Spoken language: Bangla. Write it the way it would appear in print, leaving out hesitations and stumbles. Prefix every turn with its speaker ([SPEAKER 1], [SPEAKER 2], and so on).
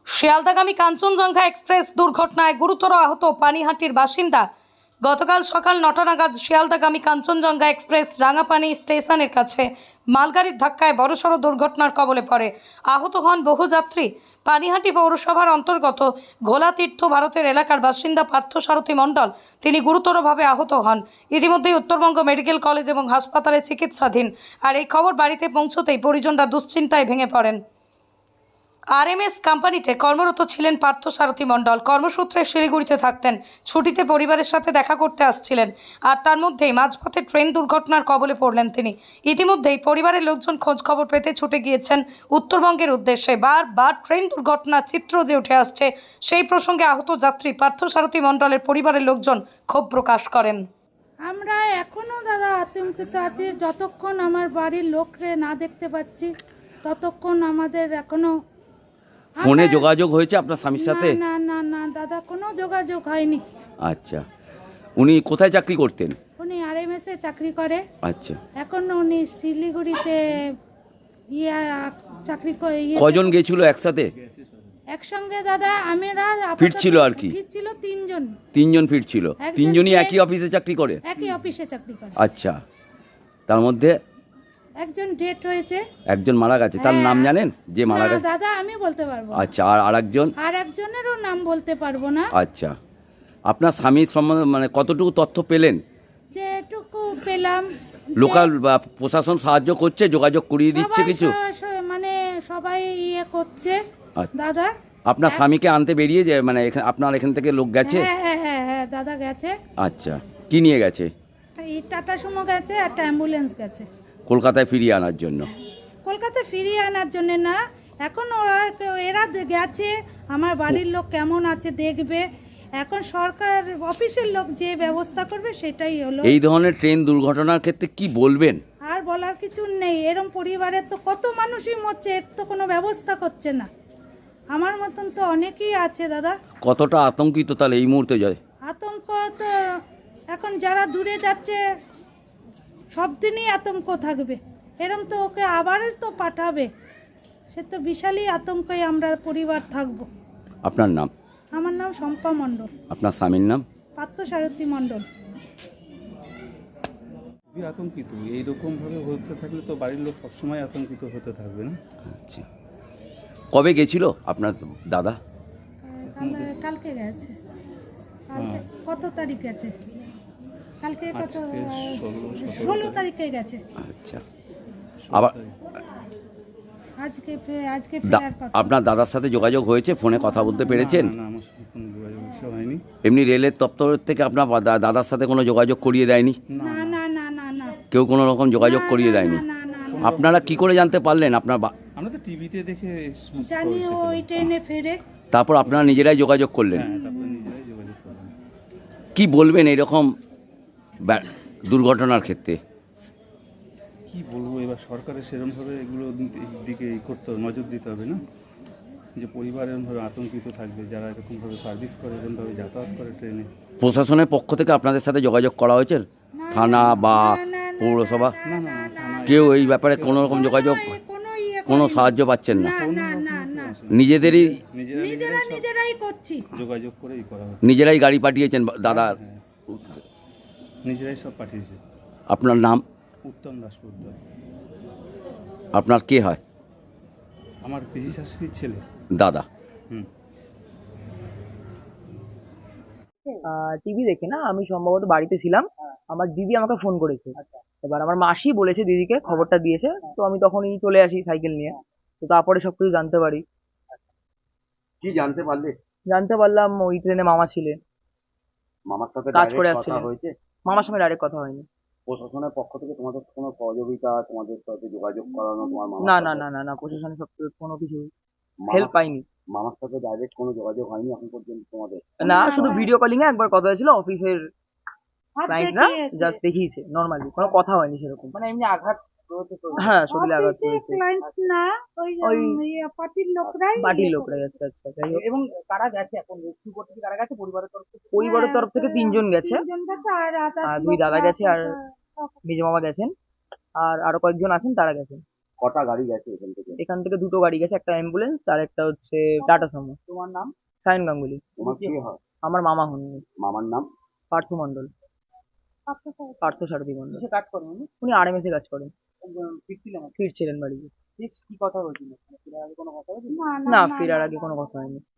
[SPEAKER 1] শিয়ালদাগামী কাঞ্চনজঙ্ঘা এক্সপ্রেস দুর্ঘটনায় গুরুতর আহত পানিহাটির বাসিন্দা। গতকাল সকাল ৯টা নাগাদ শিয়ালদাগামী কাঞ্চনজঙ্ঘা এক্সপ্রেস রাঙাপানি স্টেশনের কাছে মালগাড়ির ধাক্কায় বড়সড় দুর্ঘটনার কবলে পড়ে। আহত হন বহু যাত্রী। পানিহাটি পৌরসভার অন্তর্গত ঘোলাতীর্থ ভারতের এলাকার বাসিন্দা পার্থসারথী মণ্ডল তিনি গুরুতরভাবে আহত হন। ইতিমধ্যেই উত্তরবঙ্গ মেডিকেল কলেজ এবং হাসপাতালে চিকিৎসাধীন। আর এই খবর বাড়িতে পৌঁছতেই পরিজনরা দুশ্চিন্তায় ভেঙে পড়েন। আরএমএস কোম্পানিতে কর্মরত ছিলেন পার্থসারথী মণ্ডল। কর্মসূত্রে শিলিগুড়িতে থাকতেন, ছুটিতে পরিবারের সাথে দেখা করতে আসছিলেন। আর তার মধ্যেই মাঝপথে ট্রেন দুর্ঘটনার কবলে পড়লেন তিনি। ইতিমধ্যেই পরিবারের লোকজন খোঁজ খবর পেতে ছুটে গিয়েছেন উত্তরবঙ্গের উদ্দেশ্যে। বারবার ট্রেন দুর্ঘটনার চিত্র যে উঠে আসছে, সেই প্রসঙ্গে আহত যাত্রী পার্থসারথী মণ্ডলের পরিবারের লোকজন ক্ষোভ প্রকাশ করেন।
[SPEAKER 2] আমরা এখনো দাদা আতঙ্কিত আছি। যতক্ষণ আমার বাড়ির লোকরে না দেখতে পাচ্ছি ততক্ষণ আমাদের এখনো
[SPEAKER 3] ফোনে যোগাযোগ হয়েছে আপনার স্বামীর সাথে?
[SPEAKER 2] না না না দাদা, কোনো যোগাযোগ হয়নি।
[SPEAKER 3] আচ্ছা, উনি কোথায় চাকরি করতেন?
[SPEAKER 2] উনি আরএমএস এ চাকরি করে।
[SPEAKER 3] আচ্ছা,
[SPEAKER 2] এখন উনি শিলিগুড়িতে চাকরি করে।
[SPEAKER 3] কজন গেছিল একসাথে?
[SPEAKER 2] একসঙ্গে দাদা আমরা
[SPEAKER 3] ফিরছিল আর কি?
[SPEAKER 2] ফিরছিল তিনজন।
[SPEAKER 3] তিনজন ফিরছিল? তিনজনই একই অফিসে চাকরি করে?
[SPEAKER 2] একই অফিসে চাকরি করে।
[SPEAKER 3] আচ্ছা, তার মধ্যে
[SPEAKER 2] একজন ডেট হয়েছে,
[SPEAKER 3] একজন মারা গেছে। তার নাম জানেন যে মারা গেছে?
[SPEAKER 2] দাদা আমি বলতে পারবো।
[SPEAKER 3] আচ্ছা, আর আরেকজন?
[SPEAKER 2] আর একজনেরও নাম বলতে পারবো না।
[SPEAKER 3] আচ্ছা, আপনার স্বামীর সম্বন্ধে মানে কতটুকু তথ্য পেলেন?
[SPEAKER 2] যেটুকু পেলাম,
[SPEAKER 3] লোকাল বা প্রশাসন সাহায্য করছে, যোগাযোগ করিয়ে দিচ্ছে কিছু?
[SPEAKER 2] মানে সবাই করছে
[SPEAKER 3] আচ্ছা।
[SPEAKER 2] দাদা,
[SPEAKER 3] আপনার স্বামীকে আনতে বেরিয়ে যে মানে আপনার এখান থেকে লোক গেছে?
[SPEAKER 2] হ্যাঁ হ্যাঁ হ্যাঁ হ্যাঁ দাদা গেছে।
[SPEAKER 3] আচ্ছা, কি নিয়ে গেছে?
[SPEAKER 2] এই টাটা সুমো গেছে, একটা অ্যাম্বুলেন্স গেছে
[SPEAKER 3] কলকাতায় ফিরিয়ে আনার জন্য।
[SPEAKER 2] কলকাতা ফিরিয়ে আনার জন্য না, এখন এরা গেছে। আমার বাড়ির লোক কেমন আছে দেখবে। এখন সরকার অফিসের লোক যে ব্যবস্থা করবে সেটাই হলো।
[SPEAKER 3] এই ধরনের ট্রেন দুর্ঘটনার ক্ষেত্রে কি বলবেন?
[SPEAKER 2] আর বলার কিছু নেই। এরকম পরিবারের তো কত মানুষই মরছে, এর তো কোনো ব্যবস্থা করছে না। আমার মতন তো অনেকেই আছে দাদা।
[SPEAKER 3] কতটা আতঙ্কিত তাহলে এই মুহূর্তে যায়?
[SPEAKER 2] আতঙ্ক তো এখন যারা দূরে যাচ্ছে সব দিনই আতঙ্ক থাকবে। এরম তো ওকে আবার তো পাঠাবে, সে তো বিশালই আতঙ্কে আমরা পরিবার থাকবো।
[SPEAKER 3] আপনার নাম?
[SPEAKER 2] আমার নাম শম্পা মণ্ডল।
[SPEAKER 3] আপনার স্বামীর নাম?
[SPEAKER 2] পার্থসারথী মণ্ডল।
[SPEAKER 4] খুবই আতঙ্কিত। এইরকম ভাবে হতে থাকলে তো বাড়ির লোক সবসময় আতঙ্কিত হতে থাকবে না?
[SPEAKER 3] আচ্ছা, কবে গেছিল আপনার দাদা?
[SPEAKER 2] কালকে গেছে। কত তারিখ গেছে? কালকে কত? 16 তারিখে গেছে।
[SPEAKER 3] আচ্ছা, আবার
[SPEAKER 2] আজকে ফেরার কথা।
[SPEAKER 3] আপনার দাদার সাথে যোগাযোগ হয়েছে? ফোনে কথা বলতে পেরেছেন?
[SPEAKER 4] না, আমার সাথে কোনো যোগাযোগ হয়নি।
[SPEAKER 3] এমনি রেলের দপ্তর থেকে আপনার দাদার সাথে কোনো যোগাযোগ করিয়ে দেয়নি?
[SPEAKER 2] না না না না না,
[SPEAKER 3] কেউ কোনো রকম যোগাযোগ করিয়ে দেয়নি?
[SPEAKER 2] না না না।
[SPEAKER 3] আপনারা কি করে জানতে পারলেন? আপনার
[SPEAKER 4] আমরা তো টিভিতে দেখে
[SPEAKER 2] জানি ওই ট্রেনে ফেরে।
[SPEAKER 3] তারপর আপনারা নিজেরাই যোগাযোগ করলেন?
[SPEAKER 4] হ্যাঁ, তারপরে নিজেরাই যোগাযোগ করলাম।
[SPEAKER 3] কি বলবেন এরকম দুর্ঘটনার ক্ষেত্রে?
[SPEAKER 4] কি বলবো, এবার সরকারের সেরকমভাবে এগুলো দিকে করতে হবে, নজর দিতে হবে না, যে পরিবার এরকমভাবে আতঙ্কিত থাকবে যারা এরকমভাবে সার্ভিস করে, এরকমভাবে যাতায়াত করে ট্রেনে।
[SPEAKER 3] প্রশাসনের পক্ষ থেকে আপনাদের সাথে যোগাযোগ করা হয়েছে? থানা বা পৌরসভা
[SPEAKER 4] না না না, থানায়
[SPEAKER 3] কেউ এই ব্যাপারে কোনো রকম যোগাযোগ, কোনো সাহায্য পাচ্ছেন না?
[SPEAKER 2] না না না,
[SPEAKER 3] নিজেদেরই
[SPEAKER 2] নিজেরাই করছি।
[SPEAKER 4] যোগাযোগ করেই করা হচ্ছে।
[SPEAKER 3] নিজেরাই গাড়ি পাঠিয়েছেন দাদা?
[SPEAKER 4] নিজেরাই সব পাঠিয়েছে।
[SPEAKER 3] আপনার নাম?
[SPEAKER 4] উত্তম দাসপুর।
[SPEAKER 3] আপনার কে হয়?
[SPEAKER 4] আমার পিসি শাশুড়ির ছেলে।
[SPEAKER 3] দাদা।
[SPEAKER 5] টিভি দেখে না, আমি সম্ভবত বাড়িতে ছিলাম, আমার দিদি আমাকে ফোন করেছে। এবার আমার মাসি বলেছে দিদিকে, খবরটা দিয়েছে, তো আমি তখনই চলে আসি সাইকেল নিয়ে। তো তারপরে সবকিছু জানতে পারি।
[SPEAKER 3] কি জানতে পারলে?
[SPEAKER 5] জানতে পারলাম ওই ট্রেনে মামা ছিলেন,
[SPEAKER 3] মামার সাথে
[SPEAKER 5] কাজ করে
[SPEAKER 3] direct
[SPEAKER 5] আসছিলেন।
[SPEAKER 3] কথা হয়েছে?
[SPEAKER 5] মামার সঙ্গে ডাইরেক্ট কথা হয়নি।
[SPEAKER 3] প্রশাসনের পক্ষ থেকে তোমাদের কোনো সহযোগিতা, তোমাদের সাথে যোগাযোগ করানো, তোমার মামার
[SPEAKER 5] না
[SPEAKER 3] সাথে?
[SPEAKER 5] না না না না, প্রশাসনের সব কোনো কিছু
[SPEAKER 3] মামার-
[SPEAKER 5] হেল্প পাইনি।
[SPEAKER 3] মামার সাথে ডাইরেক্ট কোনো যোগাযোগ হয়নি এখন পর্যন্ত তোমাদের?
[SPEAKER 5] না, শুধু ভিডিও কলিং এ একবার কথা হয়েছিল, অফিসের ক্লায়েন্টরা জাস্ট দেখিয়েছে, নর্মালি কোনো কথা হয়নি সেরকম। মানে এমনি আঘাত হয়েছে তো? হ্যাঁ, শরীরে আঘাত হয়েছে।
[SPEAKER 2] না, ওই পার্টির
[SPEAKER 5] লোকরাই। আচ্ছা আচ্ছা, যাই হোক।
[SPEAKER 6] এবং কারা গেছে এখন রেস্কিউ করতে? কি কারা গেছে পরিবারের তরফ থেকে?
[SPEAKER 5] পরিবারের তরফ থেকে 3 জন গেছে, আর 2 দাদা গেছে, আর মেজ মামা গেছেন, আর আরো কয়েকজন আছেন তারা গেছেন।
[SPEAKER 3] কটা গাড়ি গেছে এখান থেকে?
[SPEAKER 5] এখান থেকে দুটো গাড়ি গেছে, একটা অ্যাম্বুলেন্স আর একটা হচ্ছে টাটা সুমো।
[SPEAKER 6] তোমার নাম?
[SPEAKER 5] সায়ন গাঙ্গুলি।
[SPEAKER 3] তোমার কি হয়?
[SPEAKER 5] আমার মামা হন উনি।
[SPEAKER 3] মামার নাম?
[SPEAKER 5] পার্থ মণ্ডল, পার্থ সারথী মণ্ডল।
[SPEAKER 6] কিসে কাজ করেন উনি?
[SPEAKER 5] উনি আরএমএস এ কাজ করেন,
[SPEAKER 6] ফিরছিলেন আর কি?
[SPEAKER 5] ফিরছিলেন বাড়িতে।
[SPEAKER 6] বেশ, কি কথা হয়েছিল? ফেরার আগে কোনো কথা হয়েছিল?
[SPEAKER 5] না, ফেরার আগে কোনো কথা হয়নি।